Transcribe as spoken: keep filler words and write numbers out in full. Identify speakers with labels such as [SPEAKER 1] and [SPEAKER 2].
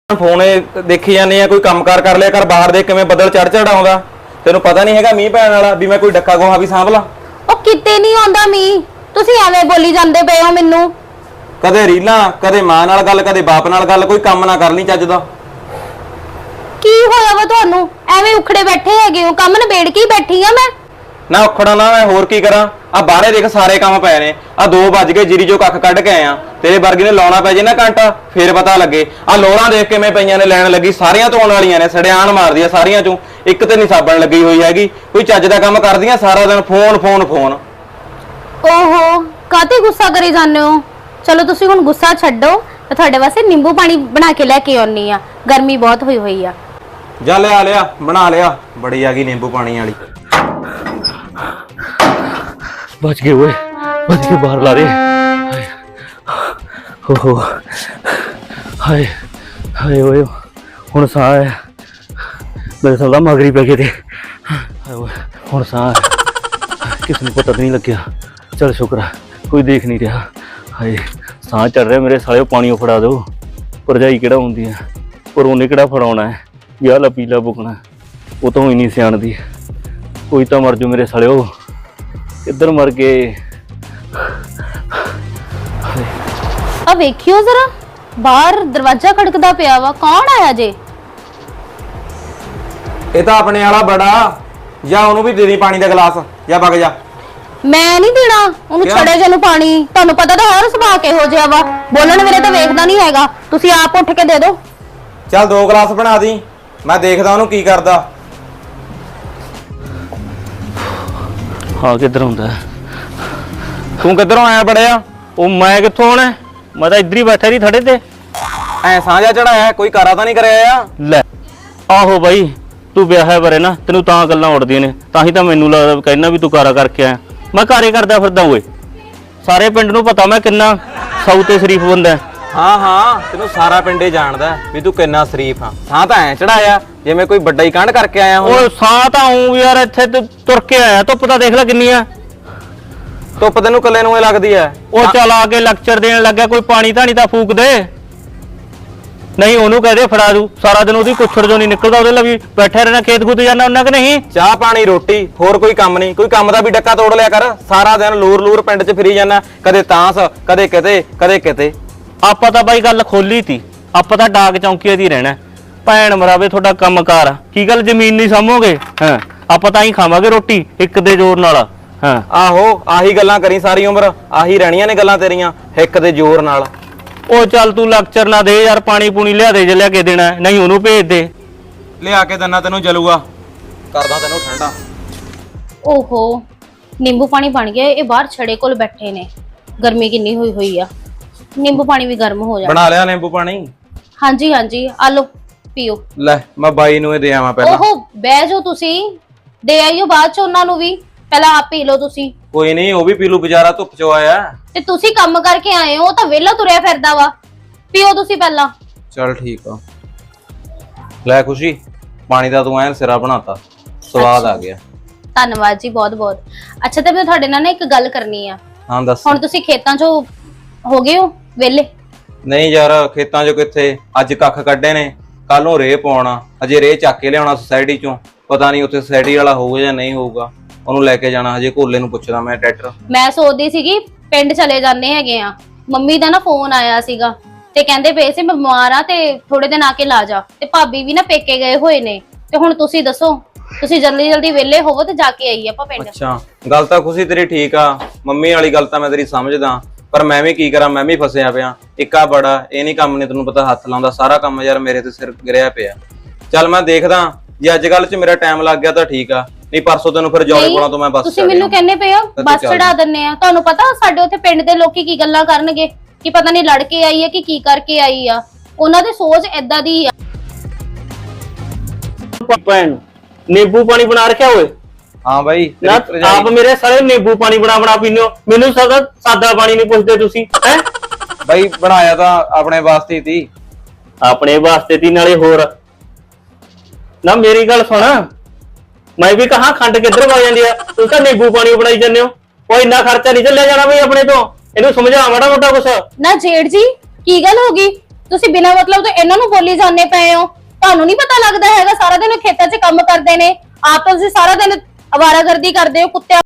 [SPEAKER 1] Phone देखी जाने आ कोई कामकार कर लिया कर बाहर देख किवें बदल चढ़ चढ़ आउंदा तेनू पता नहीं हैगा मींह पैण वाला भी मैं कोई डक्का गोहा भी सांभ ला
[SPEAKER 2] ओ किते नहीं आउंदा मींह तुसीं एवें बोली जांदे पए हो मैनू
[SPEAKER 1] कदे रीलां कदे मां नाल गल कदे बाप नाल गल कोई काम ना कर ली चज दा
[SPEAKER 2] की होया वा तुहानू एवें उखड़े बैठे हैगे हो काम निबेड़ के ही बैठी आ मैं
[SPEAKER 1] ना उखड़ा ना मैं होर की करा आ बाहरे देख सारे काम पए ने आ दो बज गए जिरी जो कख कढ के आए आ तेरे वर्गी ने लाउणा पै जे ना घंटा फिर पता लगे आ लोरां देख के मैं पईयां ने लैण लगी सारियां धोण वालियां ने सड़ियाण मारदियां सारियां चों एक ते नहीं साबण लगी हुई हैगी कोई चज दा काम करदियां सारा दिन फोन फोन फोन
[SPEAKER 2] ओहो काते गुस्सा करी जाने हो चलो तुसीं हुण गुस्सा छड्डो ते तुहाडे वास्ते नींबू पानी बना के लेके आउणी आ गर्मी बहुत होई होई आ
[SPEAKER 1] जा लिया लिया बना लिया बड़ी आ गई नींबू पानी वाली
[SPEAKER 3] बच गए वो बच के बाहर ला रहे हो हो हाय हाय ओए हुण साह है मेरे साला मगरी पै गए थे हाय ओए हुण साह किसी ने पता नहीं लग्या चल शुक्र है कोई देख नहीं रहा हाय साह चढ़ रहा मेरे साले पानी फड़ा दो भरजाई किहड़ा हुंदी है पर उन्हें किहड़ा फड़ाउणा है विआह ला पीला बुकना वो तो ही नहीं सियाणदी कोई तो मर जू मेरे साले किधर मर गए
[SPEAKER 2] अब वेखियो जरा बाहर दरवाजा खड़कदा पिया वा कौन आया जे
[SPEAKER 1] ये तो अपने वाला बड़ा जा ओनू भी दे दी पानी का गिलास जा बग जा
[SPEAKER 2] मैं नहीं देना ओनू छड़े जे नु पानी तुहानू पता तो हर सुभा के हो जिया वा बोलण मेरे तो वेखदा नहीं हैगा तुसीं आप उठ के दे दो
[SPEAKER 1] चल दो गिलास बना दी मैं देखदा ओनू की करदा
[SPEAKER 3] हाँ किधर हुंदा
[SPEAKER 1] तू किधरों आया बड़िया
[SPEAKER 3] ओ मैं कित्थों आना मैं तो इधर ही बैठा रही थड़े ते
[SPEAKER 1] ऐ साझा चढ़ाया कोई करा तो नहीं कराया
[SPEAKER 3] ले आहो भाई तू विआह बारे ना तेनू तां गल्लां उड़दियां ने तां ही तां मैनू लगदा कहना भी तू कारा करके आया मैं कारे करदा फिरदा ओए सारे पिंड नू पता मैं किन्ना सौ ते शरीफ बंदा है
[SPEAKER 1] हाँ हाँ तेनू सारा पिंडे जानदा भी तू किन्ना शरीफ हाँ सां तां ऐ चढ़ाया जिवें कोई बड्डा ही कांड करके आया हो
[SPEAKER 3] ओ सां तां हूं यार इत्थे ते तुर के आया धुप्प तां देख ले किन्नी आ
[SPEAKER 1] धुप्प तैनू कल्ले नूं लगदी है
[SPEAKER 3] ओ चल आके लेक्चर देण लग्या कोई पानी धानी तां फूक दे नहीं ओनू कह दे फड़ा दू सारा दिन ओदी कुछड़ जो नहीं निकलदा ओदे लवी बैठे रहना खेत खूत जाना उन्ना कि नहीं
[SPEAKER 1] चाह पानी रोटी होर कोई काम नहीं कोई काम दा भी डक्का तोड़ लिया कर सारा दिन लूर लूर पिंड च फिरी जाना कदे तांस कदे किते कदे किते
[SPEAKER 3] ਆਪਾਂ ਤਾਂ ਬਾਈ ਗੱਲ ਖੋਲੀ ਤੀ ਆਪਾਂ ਤਾਂ ਡਾਕ ਚੌਂਕੀਏ ਦੀ ਰਹਿਣਾ ਭੈਣ ਮਰਾਵੇ ਤੁਹਾਡਾ ਕੰਮਕਾਰ ਕੀ ਗੱਲ ਜ਼ਮੀਨ ਨਹੀਂ ਸਾਂਭੋਗੇ ਹਾਂ ਆਪਾਂ ਤਾਂ ਹੀ ਖਾਵਾਂਗੇ ਰੋਟੀ ਇੱਕ ਦੇ ਜ਼ੋਰ ਨਾਲ ਹਾਂ
[SPEAKER 1] ਆਹੋ ਆਹੀ ਗੱਲਾਂ ਕਰੀ ਸਾਰੀ ਉਮਰ ਆਹੀ ਰਹਿਣੀਆਂ ਨੇ ਗੱਲਾਂ ਤੇਰੀਆਂ ਇੱਕ ਦੇ ਜ਼ੋਰ ਨਾਲ
[SPEAKER 3] ਉਹ ਚੱਲ ਤੂੰ ਲੈਕਚਰ ਨਾ ਦੇ ਯਾਰ ਪਾਣੀ ਪੂਣੀ ਲਿਆ ਦੇ ਜੇ ਲਿਆ ਕੇ ਦੇਣਾ ਨਹੀਂ ਉਹਨੂੰ ਭੇਜ ਦੇ
[SPEAKER 1] ਲਿਆ ਕੇ ਦੰਨਾ ਤੈਨੂੰ ਜਲੂਗਾ ਕਰਦਾ ਤੈਨੂੰ ਠੰਡਾ
[SPEAKER 2] ओहो नींबू पानी बन गया ये बाहर छड़े कोल बैठे ने गर्मी किन्नी हुई हुई आ नींबू पानी भी गर्म हो जाए
[SPEAKER 1] बना लिया नींबू पानी
[SPEAKER 2] हाँ जी हाँ जी आ लो पीओ
[SPEAKER 1] ले मैं बाई नूं दे आवां पहला
[SPEAKER 2] ओहो बह जाओ तुसी दे आइयो बाद च उन्हां नूं भी पहला आप पी लो तुसी
[SPEAKER 1] कोई नहीं वो भी पी लू बेचारा धुप चो आया
[SPEAKER 2] ते तुसी काम करके आए हो तां वेला तुरिया फिरदा वा पीओ तुसी पहला
[SPEAKER 1] चल ठीक आ ले खुशी पानी दा तू ऐन सिरा बनाता स्वाद आ गया
[SPEAKER 2] धन्नवाद जी बहुत बहुत अच्छा ते मैं तुहाडे नाल ना एक गल करनी आ
[SPEAKER 1] हां दस
[SPEAKER 2] हुण तुसी खेतां चों हो गए हो वेले
[SPEAKER 1] नहीं यार खेतां चो किथे अज कख कड्डे ने कल नूं रेह पाउणा अजे रेह चक के लियाउणा सोसाइटी चों पता नहीं उत्थे सोसाइटी वाला होਊਗਾ ਜਾਂ नहीं ਹੋਊਗਾ ਉਹਨੂੰ ਲੈ ਕੇ ਜਾਣਾ ਹਜੇ ਕੋਲੇ ਨੂੰ ਪੁੱਛਦਾ ਮੈਂ ਟਰੈਕਟਰ
[SPEAKER 2] ਮੈਂ ਸੋਚਦੀ ਸੀਗੀ ਪਿੰਡ ਚਲੇ ਜਾਂਦੇ ਹੈਗੇ ਆ ਮੰਮੀ ਦਾ ਨਾ ਫੋਨ ਆਇਆ ਸੀਗਾ ਤੇ ਕਹਿੰਦੇ ਪਏ ਸੀ ਮੈਂ ਬਿਮਾਰ ਆ ਤੇ ਥੋੜੇ ਦਿਨ ਆ ਕੇ ਲਾ ਜਾ ਤੇ ਭਾਬੀ ਵੀ ਨਾ ਪੇਕੇ ਗਏ ਹੋਏ ਨੇ ਤੇ ਹੁਣ ਤੁਸੀਂ ਦੱਸੋ ਤੁਸੀਂ ਜਲਦੀ ਜਲਦੀ ਵਿਹਲੇ ਹੋਵੋ ਤੇ ਜਾ ਕੇ ਆਈਏ ਆਪਾਂ ਪਿੰਡ
[SPEAKER 1] ਅੱਛਾ ਗੱਲ ਤਾਂ ਖੁਸ਼ੀ ਤੇਰੀ ਠੀਕ ਆ ਮੰਮੀ ਵਾਲੀ ਗੱਲ ਤਾਂ ਮੈਂ ਤੇਰੀ ਸਮਝਦਾ ਪਰ ਮੈਂ ਵੀ ਕੀ ਕਰਾਂ ਮੈਂ ਵੀ ਫਸਿਆ ਪਿਆ ਇੱਕਾ ਬੜਾ ਇਹ ਨਹੀਂ ਕੰਮ ਨੇ ਤੈਨੂੰ ਪਤਾ ਹੱਥ ਲਾਉਂਦਾ ਸਾਰਾ ਕੰਮ ਯਾਰ ਮੇਰੇ ਤੇ ਸਿਰ ਗਿਰਿਆ ਪਿਆ ਚੱਲ ਮੈਂ ਦੇਖਦਾ ਜੇ ਅੱਜ ਕੱਲ ਚ ਮੇਰਾ ਟਾਈਮ ਲੱਗ ਗਿਆ ਤਾਂ ਠੀਕ ਆ ਨਹੀਂ ਪਰਸੋਂ ਤੈਨੂੰ ਫਿਰ ਜੌਲੇ ਕੋਲੋਂ ਤੋਂ ਮੈਂ ਬੱਸ
[SPEAKER 2] ਤੁਸੀਂ ਮੈਨੂੰ ਕਹਿੰਦੇ ਪਏ ਹੋ ਬੱਸ ਚੜਾ ਦਿੰਨੇ ਆ ਤੁਹਾਨੂੰ ਪਤਾ ਸਾਡੇ ਉੱਥੇ ਪਿੰਡ ਦੇ ਲੋਕੀ ਕੀ ਗੱਲਾਂ ਕਰਨਗੇ ਕਿ ਪਤਾ ਨਹੀਂ ਲੜ ਕੇ ਆਈ ਹੈ ਕਿ ਕੀ ਕਰਕੇ ਆਈ ਆ ਉਹਨਾਂ ਦੀ ਸੋਚ ਏਦਾਂ ਦੀ ਆ
[SPEAKER 3] ਭੈਣ नींबू पानी बना रखा हुए
[SPEAKER 1] हाँ भाई
[SPEAKER 3] ना आप मेरे सारे नींबू पानी बना बना पीने हो मैनू सादा सादा पानी नहीं पुछदे तुसी हैं
[SPEAKER 1] भाई बनाया ਤਾਂ ਆਪਣੇ ਵਾਸਤੇ ਤੀ
[SPEAKER 3] ਆਪਣੇ ਵਾਸਤੇ ਤੀ ਨਾਲੇ ਹੋਰ ਨਾ ਮੇਰੀ ਗੱਲ ਸੁਣ ਮੈਂ ਵੀ ਕਹਾਂ ਖੰਡ ਕਿੱਧਰ ਵਾ ਜਾਂਦੀ ਆ ਤੂੰ ਤਾਂ नींबू पानी ਬਣਾਈ ਜਾਂਦੇ ਹੋ ਕੋਈ ਇੰਨਾ ਖਰਚਾ ਨਹੀਂ ਚੱਲਿਆ ਜਾਣਾ ਬਈ ਆਪਣੇ ਤੋਂ ਇਹਨੂੰ ਸਮਝਾ ਮਾੜਾ ਮੋਟਾ ਕੁਛ
[SPEAKER 2] ਨਾ ਜੇਠ ਜੀ ਕੀ ਗੱਲ ਹੋ ਗਈ ਤੁਸੀਂ ਬਿਨਾਂ ਮਤਲਬ ਤੋਂ ਇਹਨਾਂ ਨੂੰ ਬੋਲੀ ਜਾਂਦੇ ਪਏ ਹੋ। ਤੁਹਾਨੂੰ ਨਹੀਂ ਪਤਾ ਲੱਗਦਾ ਹੈਗਾ, ਸਾਰਾ ਦਿਨ ਖੇਤਾਂ 'ਚ ਕੰਮ ਕਰਦੇ ਨੇ, ਆਪ ਤਾਂ ਤੁਸੀਂ ਸਾਰਾ ਦਿਨ ਅਵਾਰਾਗਰਦੀ ਕਰਦੇ ਹੋ ਕੁੱਤੇ